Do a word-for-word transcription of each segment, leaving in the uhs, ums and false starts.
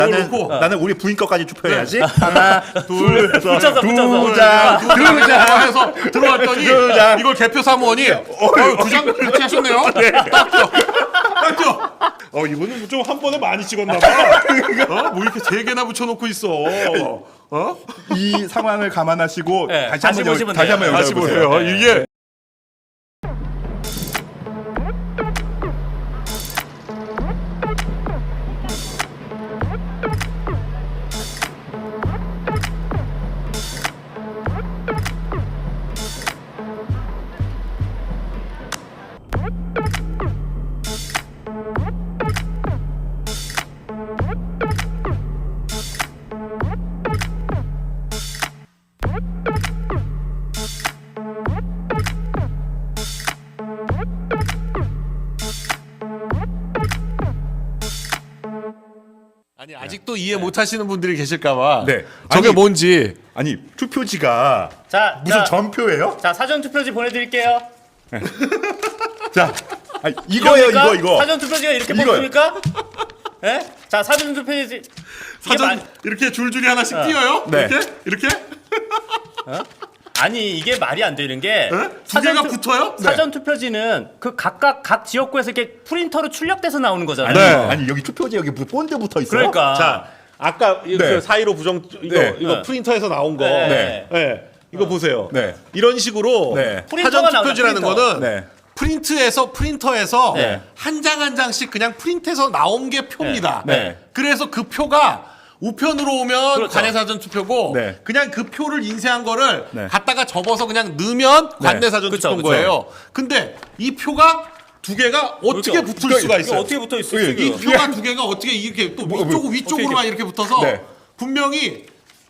나는 놓고. 나는 우리 부인 것까지 투표해야지. 네. 하나, 둘, 붙여서, 두 붙여서. 장, 두 두장 장. 해서 들어왔더니 두 장. 이걸 개표 사무원이 두장 같이 하셨네요. 딱 줘. 딱 줘. 어 이분은 좀 한 번에 많이 찍었나 봐. 어? 뭐 이렇게 세 개나 붙여놓고 있어. 어? 이 상황을 감안하시고 네, 다시 다시 한번 보시면 다시 돼요. 한번 다시 연락해 보세요. 보세요. 이게 아니 아직도 이해 못하시는 분들이 계실까봐. 네. 저게 아니, 뭔지. 아니 투표지가 자, 무슨 자, 전표예요? 자 사전 투표지 보내드릴게요. 자, 아니, 이거예요 이겁니까? 이거 이거. 사전 투표지가 이렇게 이거요. 뽑습니까? 예? 자 사전 투표지 이게 사전 말- 이렇게 줄줄이 하나씩 띄어요? 네. 이렇게? 이렇게? 아니 이게 말이 안 되는 게 네? 두 개가 붙어요? 사전 투표지는 그 각각 각 지역구에서 이렇게 프린터로 출력돼서 나오는 거잖아요. 아니, 네. 아니 여기 투표지 여기 무슨 본드 붙어 있어. 그러니까 자, 아까 이- 네. 그 사이로 부정 이거 네. 이거 네. 프린터에서 나온 거. 네. 네. 이거 보세요. 네. 이런 식으로 네. 프린터가 사전 투표지라는 나오죠, 프린터. 거는 네. 프린트에서 프린터에서 네. 한 장 한 장씩 그냥 프린트해서 나온 게 표입니다. 네. 네. 그래서 그 표가 우편으로 오면 그렇죠. 관내 사전 투표고 네. 그냥 그 표를 인쇄한 거를 네. 갖다가 접어서 그냥 넣으면 관내 사전 그쵸, 투표인 그쵸. 거예요. 근데 이 표가 두 개가 어떻게 그렇죠. 붙을 이거- 수가 이거 있어요? 어떻게 붙어 있어 예, 지금? 이 표가 두 개가 어떻게 이렇게 또 뭐, 위쪽 뭐, 위쪽으로만 이렇게 붙어서 네. 분명히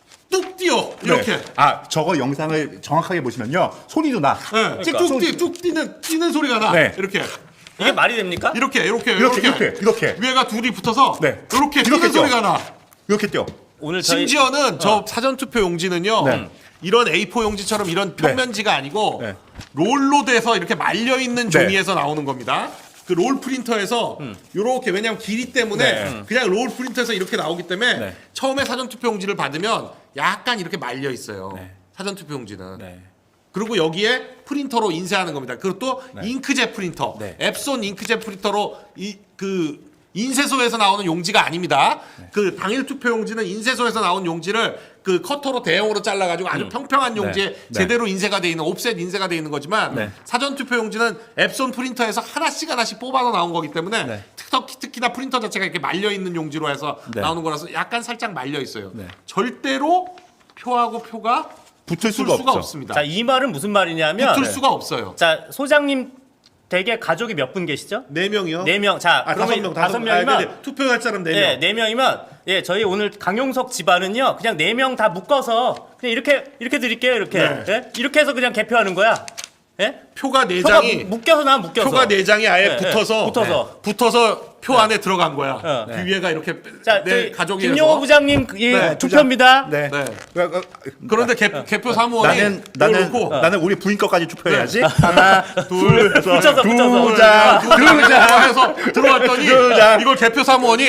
뚝 띄어 이렇게. 네. 아 저거 영상을 정확하게 보시면요 소리도 나. 네. 뚝, 뛰, 뚝 뛰는 뛰는 소리가 나. 네. 이렇게 이게 말이 됩니까? 이렇게 이렇게 이렇게 이렇게 이렇게 위에가 둘이 붙어서 네. 이렇게 이렇게 뛰는 뛰어. 소리가 나. 이렇게 뛰어. 오늘 저희 심지어는 저 사전 투표 용지는요. 네. 이런 에이포 용지처럼 이런 평면지가 아니고 네. 롤로 돼서 이렇게 말려 있는 네. 종이에서 나오는 겁니다. 그 롤 프린터에서 요렇게 왜냐면 길이 때문에 네. 그냥 롤 프린터에서 이렇게 나오기 때문에 네. 처음에 사전 투표 용지를 받으면 약간 이렇게 말려 있어요. 네. 사전 투표 용지는. 네. 그리고 여기에 프린터로 인쇄하는 겁니다. 그리고 또 잉크젯 프린터, 네. 앱손 잉크젯 프린터로 이 그 인쇄소에서 나오는 용지가 아닙니다. 네. 그 당일 투표 용지는 인쇄소에서 나온 용지를 그 커터로 대형으로 잘라가지고 아주 평평한 용지에 네. 네. 제대로 인쇄가 돼 있는 옵셋 인쇄가 돼 있는 거지만 네. 사전 투표 용지는 앱손 프린터에서 하나씩 하나씩 뽑아서 나온 거기 때문에 네. 특히, 특히나 프린터 자체가 이렇게 말려 있는 용지로 해서 네. 나오는 거라서 약간 살짝 말려 있어요. 네. 절대로 표하고 표가 붙을 붙을 수가, 수가 없죠. 없습니다. 자 이 말은 무슨 말이냐면 붙을 수가 없어요. 자 소장님 댁에 가족이 몇 분 계시죠? 네 명이요? 네 명. 자 아, 다섯 그러면 명, 다섯 다섯 명이면 아, 네네. 투표할 사람 네 명. 예, 네 명이면 예, 저희 오늘 강용석 집안은요. 그냥 네 명 다 묶어서 그냥 이렇게 이렇게 드릴게요. 이렇게. 네. 예? 이렇게 해서 그냥 개표하는 거야. 예? 표가 네 표가 장이 묶- 묶여서 나 묶여서. 표가 네 장이 아예 네, 붙어서 네, 붙어서. 붙어서 표 안에 들어간 거야. 네. 그 위에가 이렇게 자, 내 저희 가족이 김용호 부장님 예, 네, 투표입니다. 네. 네. 그, 그, 그런데 개, 개표 사무원이 나는 이걸 나는 놓고 나는 우리 부인 것까지 투표해야지. 네. 하나, 둘, 붙여서, 두 붙여서. 장, 두 장 해서 들어왔더니 두 장. 이걸 개표 사무원이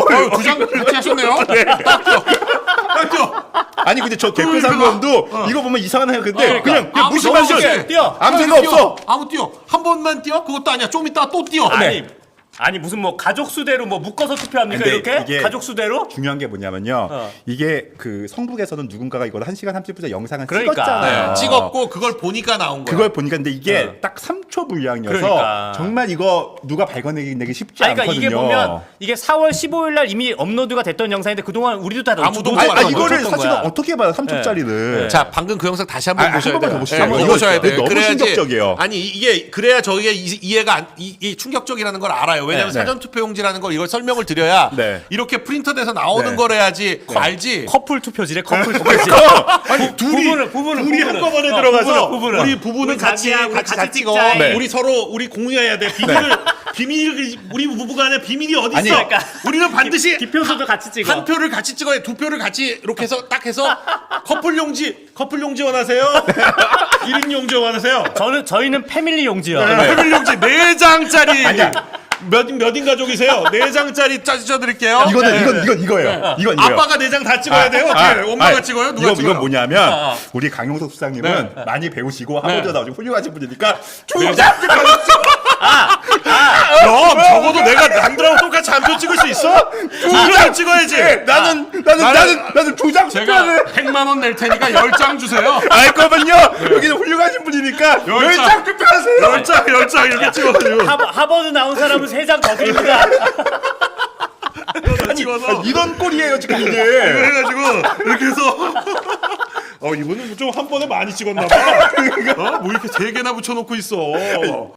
두장 같이 하셨네요. 딱 줘. 딱 줘. 아니 근데 저 개표 그러니까. 상관도 이거 보면 이상하네요. 근데 그러니까. 그냥 그냥 아무 무시만 생각 줘. 없이 뛰어. 아무 그냥 생각 뛰어. 없어. 아무 뛰어. 한 번만 뛰어? 그것도 아니야. 좀 이따 또 뛰어. 아니 아니 무슨 뭐 가족 수대로 뭐 묶어서 투표합니까? 근데 이렇게? 이게- 가족 수대로? 중요한 게 뭐냐면요. 어. 이게 그 성북에서는 누군가가 이걸 한 시간 삼십 분째 영상을 그러니까. 찍었잖아요. 네, 찍었고 그걸 보니까 나온 거야. 그걸 보니까 근데 이게 어. 딱 삼 초 분량이어서 그러니까. 정말 이거 누가 발견내기 내기 쉽지 아니, 그러니까 않거든요. 이게 보면 이게 사월 십오일 날 이미 업로드가 됐던 영상인데 그동안 우리도 다 아무도 놓쳤던 못 아니, 봤던 아니 거야. 이거를 놓쳤던 사실은 거야. 어떻게 봐요? 삼 초짜리를. 네. 자, 방금 그 영상 다시 한번 아, 한 보셔야 번만 돼요. 더 보시죠. 예, 이거 이거 보셔야 이거 돼요. 너무 그래야지- 충격적이에요. 아니 이게 그래야 저희가 이, 이해가 안, 이, 이 충격적이라는 걸 알아요. 왜냐하면 네. 사전 투표용지라는 걸 이걸 설명을 드려야 네. 이렇게 프린터돼서 나오는 네. 거래야지 알지. 커플 투표지래 커플 투표지. 아니 둘이 부부는, 부부는, 둘이 부부는. 한꺼번에 어, 들어가서 부부는, 부부는. 우리 부부는 우리 같이 자기야, 해, 우리 같이 같이 찍어. 찍자. 네. 우리 서로 우리 공유해야 돼. 비밀을 비밀 우리 부부간에 비밀이 어디 아니, 있어? 그러니까 우리는 반드시 기표소도 같이 찍어. 한 표를 같이 찍어야 두 표를 같이 이렇게 해서 딱 해서 커플 용지 커플 용지 원하세요? 일 인 용지 원하세요? 저는 저희는 패밀리 용지요. 패밀 용지 네 장짜리 아니야. 몇, 몇인 가족이세요? 네 장짜리 짜주셔드릴게요. 이거는 이건 이건 이거예요. 이건 이거예요. 아빠가 네 장 다 찍어야 돼요? 어떻게? 아, 엄마가 아, 찍어요? 누가 이거, 찍어요? 이건 뭐냐면 아, 아. 우리 강용석 수장님은 네. 많이 배우시고 하버드 네. 나오시고 훌륭하신 분이니까 두 네. 장 찍어주세요. 그럼 적어도 내가 남들하고 똑같이 한 표 찍을 수 있어? 두 장 찍어야지. 나는 나는 나는 나는 두 장 제가 찍어야 돼. 백만 원 낼 테니까 열 장 주세요. 알 거면요. 여기는 훌륭하신 분이니까 열 열 장. 장 투표하세요. 열 장, 열 장 이렇게 찍어가지고. 하버, 하버드 나온 사람은 세 장 더 드립니다. 찍어서. 아, 이런 꼴이에요 지금 이게. 해가지고 이렇게 해서 어 이분은 좀 한 번에 많이 찍었나 봐. 어? 뭐 이렇게 세 개나 붙여놓고 있어.